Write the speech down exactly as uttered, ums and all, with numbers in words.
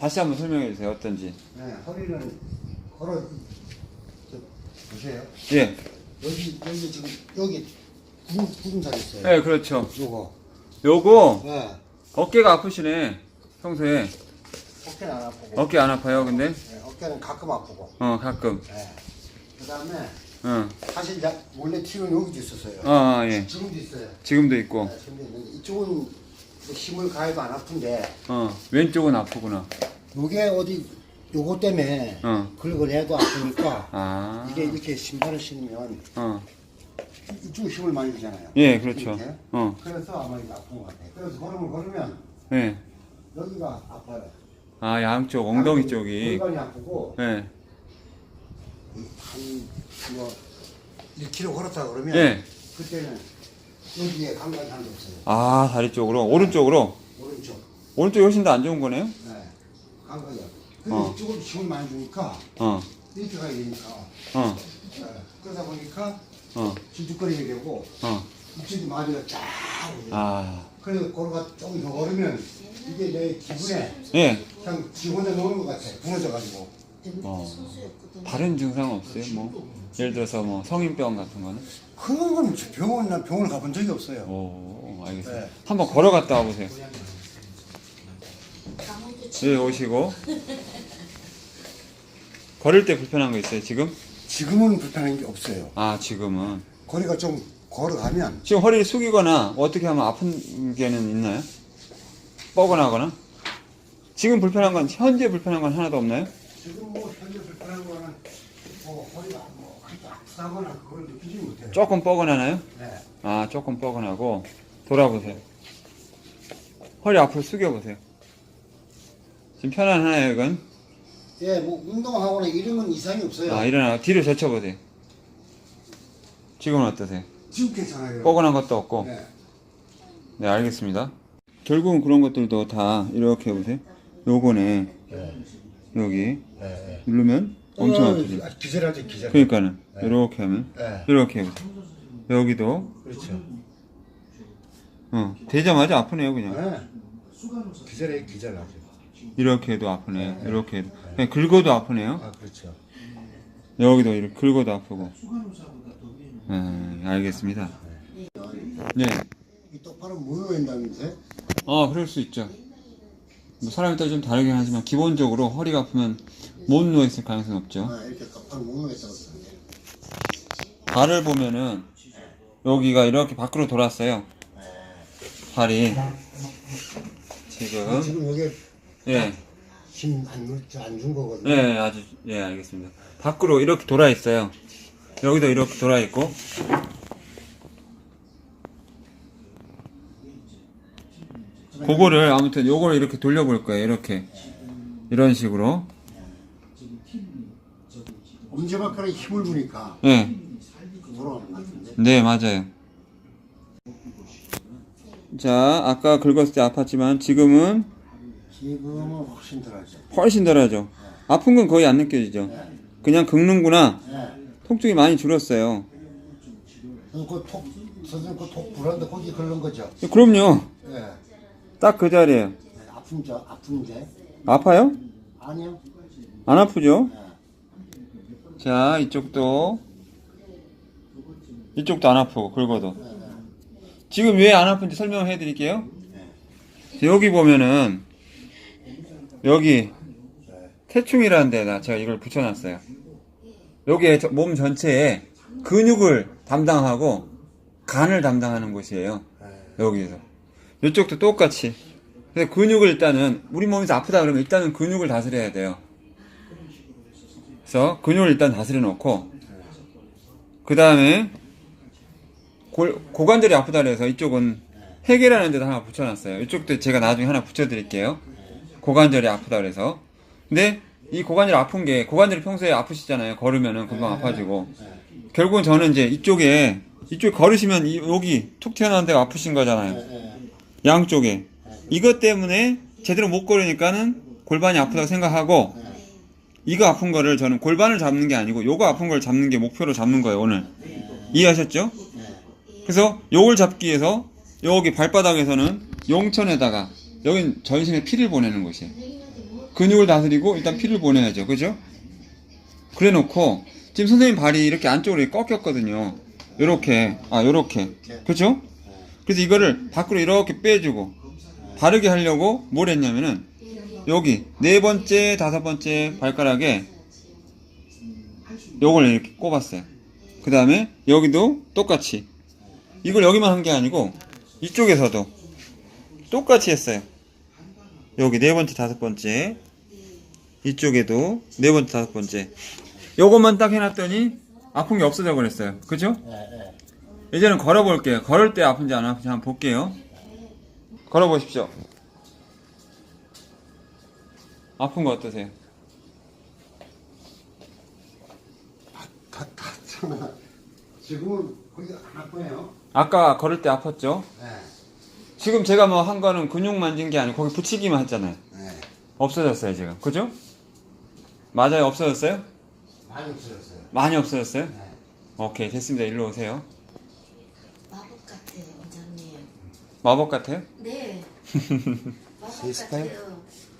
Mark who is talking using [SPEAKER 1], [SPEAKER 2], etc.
[SPEAKER 1] 다시 한번 설명해 주세요. 어떤지.
[SPEAKER 2] 네, 허리는 걸어 저, 보세요.
[SPEAKER 1] 예.
[SPEAKER 2] 여기 여기 지금 여기 구름 구름살 있어요.
[SPEAKER 1] 네, 그렇죠.
[SPEAKER 2] 요거.
[SPEAKER 1] 요거
[SPEAKER 2] 네.
[SPEAKER 1] 어깨가 아프시네. 평소에
[SPEAKER 2] 어깨는 안 아프고.
[SPEAKER 1] 어깨 안 아파요, 근데?
[SPEAKER 2] 네, 어깨는 가끔 아프고.
[SPEAKER 1] 어, 가끔.
[SPEAKER 2] 네. 그다음에
[SPEAKER 1] 어.
[SPEAKER 2] 사실 나 원래 티는 여기도 있었어요.
[SPEAKER 1] 아, 아, 예.
[SPEAKER 2] 지금도 있어요.
[SPEAKER 1] 지금도 있고.
[SPEAKER 2] 네, 지금도 있는데 이쪽은 뭐 힘을 가해도 안 아픈데
[SPEAKER 1] 어, 왼쪽은 아프구나.
[SPEAKER 2] 요게 어디 요거 때문에
[SPEAKER 1] 어.
[SPEAKER 2] 긁어내도 아프니까
[SPEAKER 1] 아.
[SPEAKER 2] 이게 이렇게 신발을 신으면
[SPEAKER 1] 어.
[SPEAKER 2] 이쪽 힘을 많이 주잖아요.
[SPEAKER 1] 예, 그렇죠.
[SPEAKER 2] 이렇게.
[SPEAKER 1] 어.
[SPEAKER 2] 그래서 아마 이게 아픈 것 같아요. 그래서 걸음을 걸으면
[SPEAKER 1] 예.
[SPEAKER 2] 여기가 아파요.
[SPEAKER 1] 아, 양쪽 엉덩이 쪽이.
[SPEAKER 2] 골반이 아프고
[SPEAKER 1] 예.
[SPEAKER 2] 한뭐 일 킬로미터 걸었다 그러면
[SPEAKER 1] 예.
[SPEAKER 2] 그때는 여기에 감각이 하나도 없어요.
[SPEAKER 1] 아, 다리 쪽으로. 오른쪽으로.
[SPEAKER 2] 오른쪽.
[SPEAKER 1] 오른쪽이 훨씬 더 안 좋은 거네요?
[SPEAKER 2] 네. 감각이요. 근데
[SPEAKER 1] 어.
[SPEAKER 2] 이쪽으로 힘을 많이 주니까
[SPEAKER 1] 어.
[SPEAKER 2] 이렇게 가야 되니까.
[SPEAKER 1] 어.
[SPEAKER 2] 네. 그러다 보니까
[SPEAKER 1] 어.
[SPEAKER 2] 질죽거리게 되고
[SPEAKER 1] 어.
[SPEAKER 2] 이쪽이 마비가 쫙 오죠.
[SPEAKER 1] 아.
[SPEAKER 2] 그래서 걸어가 조금 더 걸으면 이게 내 기분에
[SPEAKER 1] 예.
[SPEAKER 2] 그냥 지 혼자 노는 것 같아. 무너져가지고.
[SPEAKER 1] 어. 다른 증상 없어요? 뭐 예를 들어서 뭐 성인병 같은 거는?
[SPEAKER 2] 그런 건 병원 난 병원을 가본 적이 없어요.
[SPEAKER 1] 오, 알겠습니다.
[SPEAKER 2] 네.
[SPEAKER 1] 한번 걸어갔다 와보세요. 예, 오시고. 걸을 때 불편한 거 있어요, 지금?
[SPEAKER 2] 지금은 불편한 게 없어요.
[SPEAKER 1] 아, 지금은.
[SPEAKER 2] 거리가 좀 걸어가면
[SPEAKER 1] 지금 허리를 숙이거나 어떻게 하면 아픈 게는 있나요? 뻐근하거나? 지금 불편한 건, 현재 불편한 건 하나도 없나요?
[SPEAKER 2] 지금 뭐 현재 불편한 거는 뭐 허리가 뭐 그렇게 아프다거나 그걸 느끼지 못해요.
[SPEAKER 1] 조금 뻐근하나요?
[SPEAKER 2] 네.
[SPEAKER 1] 아, 조금 뻐근하고. 돌아보세요. 허리 앞으로 숙여보세요. 지금 편안하나요, 이건?
[SPEAKER 2] 예, 뭐 운동하거나 이런 건 이상이 없어요.
[SPEAKER 1] 아, 일어나. 뒤로 젖혀보세요. 지금은 어떠세요?
[SPEAKER 2] 지금 괜찮아요.
[SPEAKER 1] 뻐근한 것도 없고.
[SPEAKER 2] 네.
[SPEAKER 1] 네, 알겠습니다. 결국은 그런 것들도 다 이렇게 해보세요. 요거네.
[SPEAKER 2] 네.
[SPEAKER 1] 여기.
[SPEAKER 2] 네. 네.
[SPEAKER 1] 누르면 엄청
[SPEAKER 2] 어,
[SPEAKER 1] 아프죠.
[SPEAKER 2] 아, 기절하지 기절.
[SPEAKER 1] 그러니까는
[SPEAKER 2] 네.
[SPEAKER 1] 이렇게 하면
[SPEAKER 2] 네.
[SPEAKER 1] 이렇게 해보세요. 여기도
[SPEAKER 2] 그렇죠.
[SPEAKER 1] 어 되자마자 아프네요, 그냥.
[SPEAKER 2] 네. 기절해 기절하죠.
[SPEAKER 1] 이렇게 해도 아프네요. 이렇게 해도 그냥 긁어도 아프네요.
[SPEAKER 2] 아 그렇죠.
[SPEAKER 1] 여기도 이렇게 긁어도 아프고. 네, 알겠습니다. 네.
[SPEAKER 2] 이 똑바로 모여있다면서요?
[SPEAKER 1] 아, 그럴 수 있죠. 뭐 사람에 따라 좀 다르긴 하지만 기본적으로 허리가 아프면 못 누워있을 가능성이 없죠.
[SPEAKER 2] 아, 이렇게 똑바로 모여있다고 그러는데.
[SPEAKER 1] 발을 보면은 여기가 이렇게 밖으로 돌았어요. 발이 지금
[SPEAKER 2] 지금 여기
[SPEAKER 1] 예,
[SPEAKER 2] 힘안준 거거든요.
[SPEAKER 1] 예, 아주 예, 알겠습니다. 밖으로 이렇게 돌아 있어요. 여기도 이렇게 돌아 있고. 그거를 아무튼 요걸 이렇게 돌려볼 거예요. 이렇게 이런 식으로.
[SPEAKER 2] 엄지발가락에 힘을 주니까
[SPEAKER 1] 예,
[SPEAKER 2] 돌아가는 것 같은데.
[SPEAKER 1] 네, 맞아요. 자, 아까 긁었을 때 아팠지만 지금은
[SPEAKER 2] 지금은 훨씬 덜하죠.
[SPEAKER 1] 훨씬 덜하죠. 아픈 건 거의 안 느껴지죠. 그냥 긁는구나.
[SPEAKER 2] 네.
[SPEAKER 1] 통증이 많이 줄었어요.
[SPEAKER 2] 그톡 선생님 그톡 불안데 거기 걸른 거죠.
[SPEAKER 1] 그럼요.
[SPEAKER 2] 네.
[SPEAKER 1] 딱 그 자리에요.
[SPEAKER 2] 네, 아픈 저 아픈데
[SPEAKER 1] 아파요?
[SPEAKER 2] 아니요.
[SPEAKER 1] 안 아프죠?
[SPEAKER 2] 네.
[SPEAKER 1] 자, 이쪽도 이쪽도 안 아프고 긁어도.
[SPEAKER 2] 네, 네.
[SPEAKER 1] 지금 왜 안 아픈지 설명해 드릴게요. 여기 보면은 여기 태충이라는 데다 제가 이걸 붙여놨어요. 여기에 저- 몸 전체에 근육을 담당하고 간을 담당하는 곳이에요. 여기서 이쪽도 똑같이. 그래서 근육을 일단은 우리 몸에서 아프다 그러면 일단은 근육을 다스려야 돼요. 그래서 근육을 일단 다스려 놓고 그 다음에 고관절이 아프다 그래서 이쪽은 해계라는 데도 하나 붙여놨어요. 이쪽도 제가 나중에 하나 붙여드릴게요. 고관절이 아프다 그래서. 근데 이 고관절 아픈 게 고관절이 평소에 아프시잖아요. 걸으면은 금방 아파지고. 결국은 저는 이제 이쪽에 이쪽 걸으시면 이, 여기 툭 튀어나온 데가 아프신 거잖아요. 양쪽에. 이것 때문에 제대로 못 걸으니까는 골반이 아프다고 생각하고 이거 아픈 거를 저는 골반을 잡는 게 아니고 요거 아픈 걸 잡는 게 목표로 잡는 거예요, 오늘. 이해하셨죠? 그래서 요걸 잡기 위해서 여기 발바닥에서는 용천에다가 여긴 전신에 피를 보내는 곳이에요. 근육을 다스리고 일단 피를 보내야죠. 그죠? 그래 놓고 지금 선생님 발이 이렇게 안쪽으로 꺾였거든요. 요렇게. 아, 요렇게. 그죠? 그래서 이거를 밖으로 이렇게 빼주고 바르게 하려고 뭘 했냐면은 여기 네 번째, 다섯 번째 발가락에 요걸 이렇게 꼽았어요. 그 다음에 여기도 똑같이. 이걸 여기만 한 게 아니고 이쪽에서도 똑같이 했어요. 여기 네 번째, 다섯 번째. 이쪽에도 네 번째, 다섯 번째. 요것만 딱 해놨더니 아픈 게 없어져 버렸어요. 그죠? 이제는 걸어볼게요. 걸을 때 아픈지 안 아픈지 한번 볼게요. 걸어보십시오. 아픈 거 어떠세요?
[SPEAKER 2] 다, 다, 참. 지금은 거의 안 아파요.
[SPEAKER 1] 아까 걸을 때 아팠죠?
[SPEAKER 2] 네.
[SPEAKER 1] 지금 제가 뭐 한 거는 근육 만진 게 아니고 거기 붙이기만 했잖아요.
[SPEAKER 2] 네.
[SPEAKER 1] 없어졌어요, 지금. 그죠? 맞아요, 없어졌어요?
[SPEAKER 2] 많이 없어졌어요.
[SPEAKER 1] 많이 없어졌어요?
[SPEAKER 2] 네.
[SPEAKER 1] 오케이, 됐습니다. 일로 오세요.
[SPEAKER 3] 마법 같아요, 원장님.
[SPEAKER 1] 마법 같아요?
[SPEAKER 3] 네. 마법
[SPEAKER 2] 시스템?
[SPEAKER 3] 같아요.